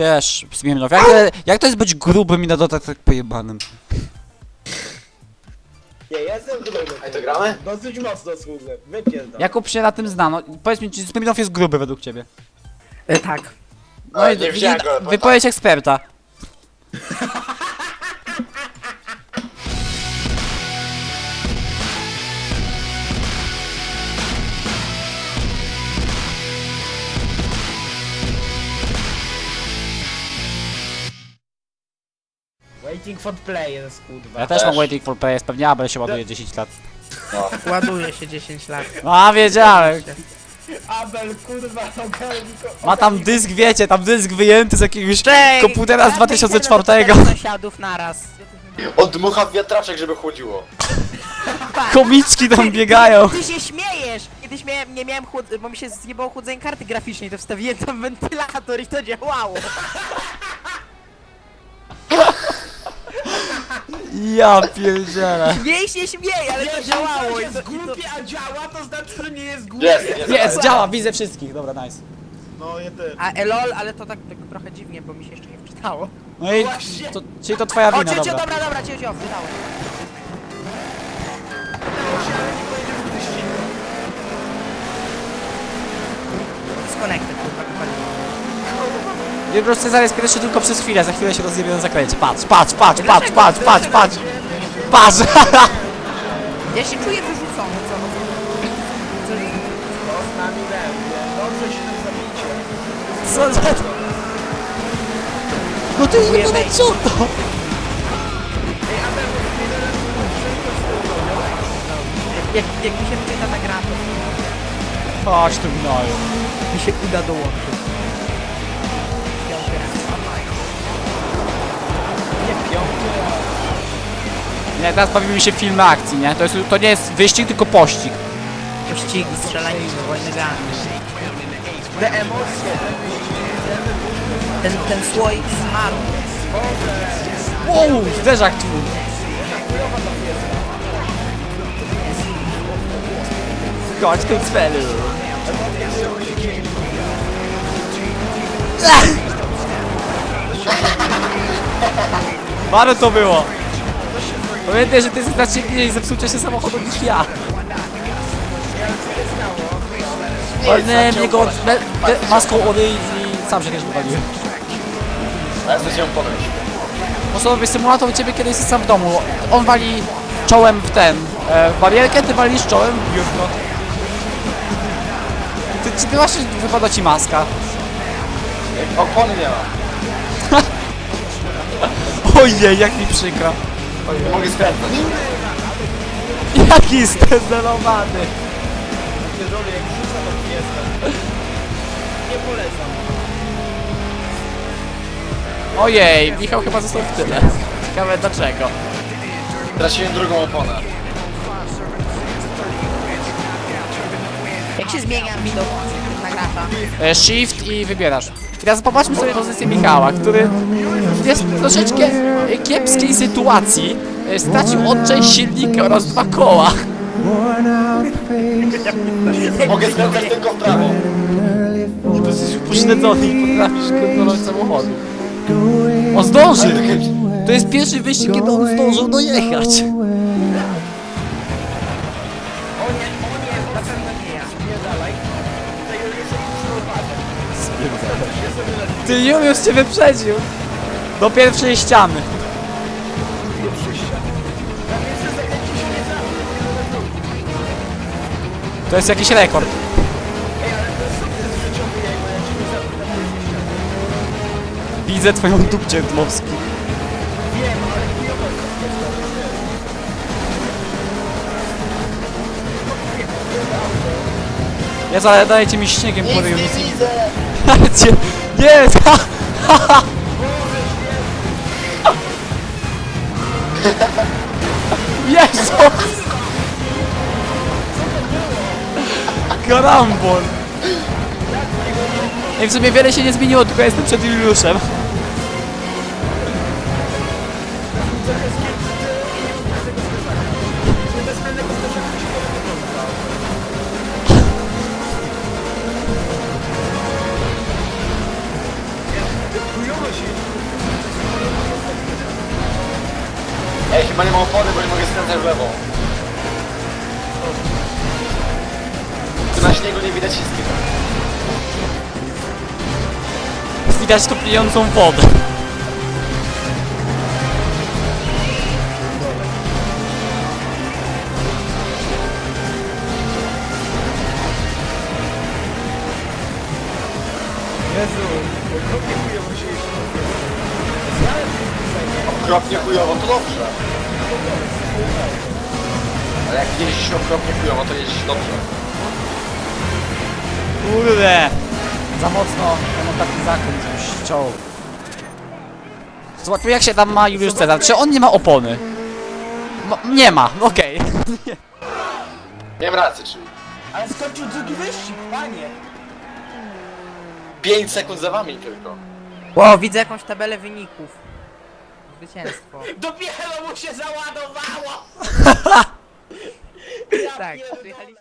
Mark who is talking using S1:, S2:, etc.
S1: Wiesz, Smirnow, jak to jest być grubym i na dodatek tak pojebanym?
S2: Nie, ja jestem gruby.
S3: Ej, to gramy?
S2: Dosyć mocno schudłem. Wypierdam.
S1: Jakub się na tym zna, no powiedz mi, czy Smirnow jest gruby według ciebie?
S4: Tak.
S1: No i
S3: nie wziąłem go, bo
S1: wypowiedź eksperta.
S2: Waiting for play jest kurwa.
S1: Ja też mam
S3: Też.
S1: waiting for PS, pewnie Abel się ładuje 10 lat.
S4: Ładuje się 10 lat.
S1: A, wiedziałem.
S2: Abel kurwa,
S1: Ma tam dysk, wiecie, tam dysk wyjęty z jakiegoś
S4: Cześć!
S1: komputera z 2004.
S4: Sąsiadów naraz.
S3: Odmucha w wiatraczek, żeby chłodziło.
S1: Komiczki tam biegają.
S4: Ty się śmiejesz! Kiedyś nie miałem bo mi się zjebało chłodzenie karty graficznej, to wstawiłem tam wentylator i to działało.
S1: Ja pierdzielę.
S4: Mniej się śmieje, ale to
S2: Jeżeli
S4: działało.
S2: coś
S4: I
S2: jest
S4: to,
S2: głupie, a działa, to znaczy, że nie jest głupie.
S1: Jest, działa, widzę wszystkich, dobra, nice.
S2: No, ja też.
S4: A lol, ale to tak trochę dziwnie, bo mi się jeszcze nie wczytało.
S1: No i, czyli to twoja
S4: O,
S1: wina,
S4: cię,
S1: dobra.
S4: dobra, cię wczytałem. Disconnected, kurwa, kopalnie.
S1: Wielbroż Cezar jest pierwszy tylko przez chwilę, za chwilę się rozjebie na zakręcie. Patrz, patrz, patrz, patrz, patrz, patrz, patrz. Patrz!
S4: Ja się czuję wyrzucony, co? Co jest?
S2: No, z nami będzie. Dobrze się nam zabijcie.
S1: Co za... No to jest jebane co to?
S4: Jak mi się wczyta ta gra, to
S1: Chodź tu gnoju.
S4: mi się uda dołączyć.
S1: Nie, teraz bawimy się w filmy akcji, nie? To nie jest wyścig, tylko pościg.
S4: Pościgi, strzelaniny, wojny gangi.
S2: Te emocje.
S4: Ten słoik smaru.
S1: Wow, zderzak twój. Chodź tu cwelu. Bardzo to było. Pamiętaj, że ty jesteś znacznie mniej zepsucia się samochodu niż ja. Walnąłem jego maską odejść i sam się też wywaliłem.
S3: A ja chcę się podejść.
S1: Osobowy symulator u ciebie kiedy jesteś sam w domu. On wali czołem w ten, w barierkę, ty walisz czołem w biurko. Ty właśnie wypada ci maska.
S3: Opony nie ma.
S1: Ojej, jak mi przykro.
S3: Nie mogę skręcać.
S1: Jaki zdezelowany.
S2: Pierdolę, jak rzuca, to nie jestem. Nie polecam.
S1: Ojej, Michał chyba został w tyle. Ciekawe dlaczego.
S3: Traciłem drugą oponę.
S4: Jak się zmienia widok na gracza?
S1: Shift i wybierasz. Teraz popatrzmy sobie pozycję Michała, który jest w troszeczkę kiepskiej sytuacji. Stracił odczeń silnika oraz 2 koła.
S3: Mogę skręcać tylko w prawo.
S1: Jesteś upośledzony i potrafisz kontrolować samochodu. On zdąży! To jest pierwszy wyścig, kiedy on zdążył dojechać.
S4: O nie, na pewno nie ja.
S2: Nie dalej. Tutaj już jest uważać.
S1: Ty Juliusz cię wyprzedził. Do pierwszej ściany. To jest jakiś rekord. Widzę twoją dupcię dmowski. Jezu, ale dajecie mi śniegiem po ryju. Dajcie! Nie! Jezus! Karambol! I w sumie wiele się nie zmieniło, tylko jestem przed Juliuszem.
S3: Chyba nie ma opony, bo nie mogę skręcać w lewo. Tu na śniegu nie widać wszystkiego.
S1: Widać tu pijącą wodę.
S2: Jezu, okropnie chujowo się jeszcze
S3: Okropnie chujowo, to dobrze. Ale jak jeździsz okropnie chujowo, to jeździsz dobrze.
S1: Kurde. Za mocno ten taki zakręt już ściął. Zobaczmy jak się tam ma Juliusz Cezar. Czy on nie ma opony? Nie ma, okej.
S3: Miałem rację, czyli
S2: Ale skończył drugi wyścig, panie!
S3: 5 sekund za wami tylko.
S4: Wow, widzę jakąś tabelę wyników. Zwycięstwo.
S2: Dopiero mu się załadowało!
S4: Tak, przyjechaliśmy.